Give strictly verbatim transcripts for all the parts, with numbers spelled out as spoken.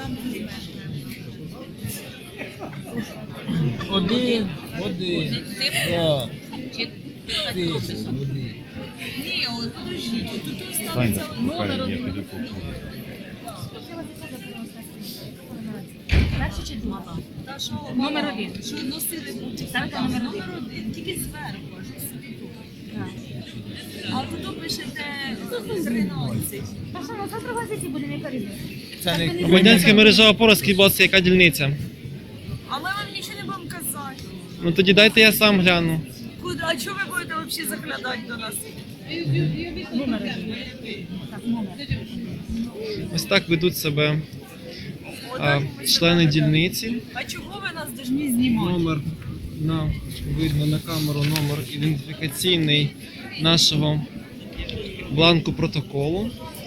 Один, один. Так. Ти, один. Ні, от подожди, тут Таня, останеться пока номер я один. піду куплю. Перший чи другий? Та що, Номер мама, один. Що носили будуть? Ставте Так, номер номер один, тільки зверху, аж собі тут. А тут пишете тринадцять. Та що, ну завтра в газеті будемо яка різниця? Це не Громадянська мережа опора, скажіть, будь ласка, яка дільниця? А ми вам нічого не будемо казати. Ну тоді дайте я сам гляну. Куди? А чого ви будете взагалі заглядати до нас? Номер один. Так, номер. Ось так ведуть себе а, члени дільниці. А чого ви нас повинні знімати? Номер на видно на камеру, номер ідентифікаційний нашого бланку протоколу.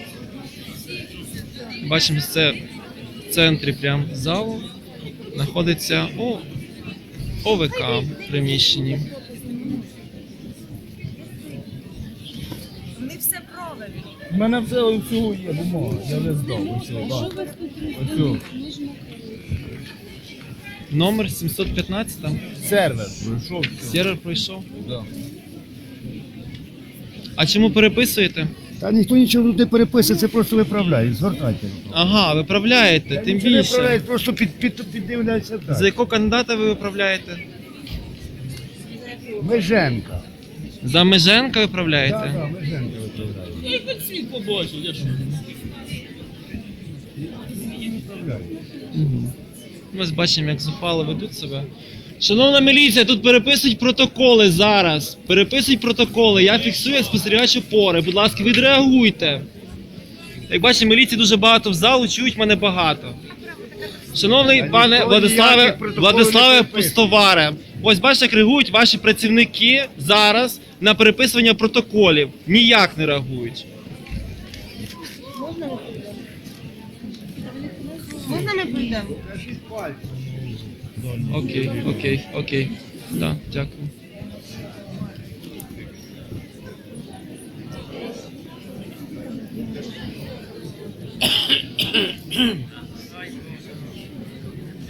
Бачимо, це в центрі прям залу знаходиться О, ОВК в приміщенні. Вони все правильно. У мене все оцю є бумага, я вже здав. Оцю, так. Оцю. Номер сімсот п'ятнадцять, там Сервер пройшов. все. сервер пройшов. Да. А чому переписуєте? Та ніхто нічого тут не переписує, це просто виправляє. Звертайте. Ага, виправляєте, тим Нічого не більше. виправляють, просто під, під, піддивляються За так. якого кандидата ви виправляєте? Меженка. За Меженка Так, виправляєте? так, Меженка виправляє. Я хоч світ побачив, я що? Угу. Ми бачимо, як зухвало ведуть себе. Шановна міліція, тут переписують протоколи зараз. Переписують протоколи. Я фіксую як спостерігач опори. Будь ласка, відреагуйте. Як бачите, міліції дуже багато в залу, чують мене багато. Шановний Та пане ніхто Владиславе, ніяких протоколів Владиславе не переписує. Пустоваре, ось бачите, як реагують ваші працівники зараз на переписування протоколів. Ніяк не реагують. Можна ми прийдемо? Окей, окей, окей. Да, дякую.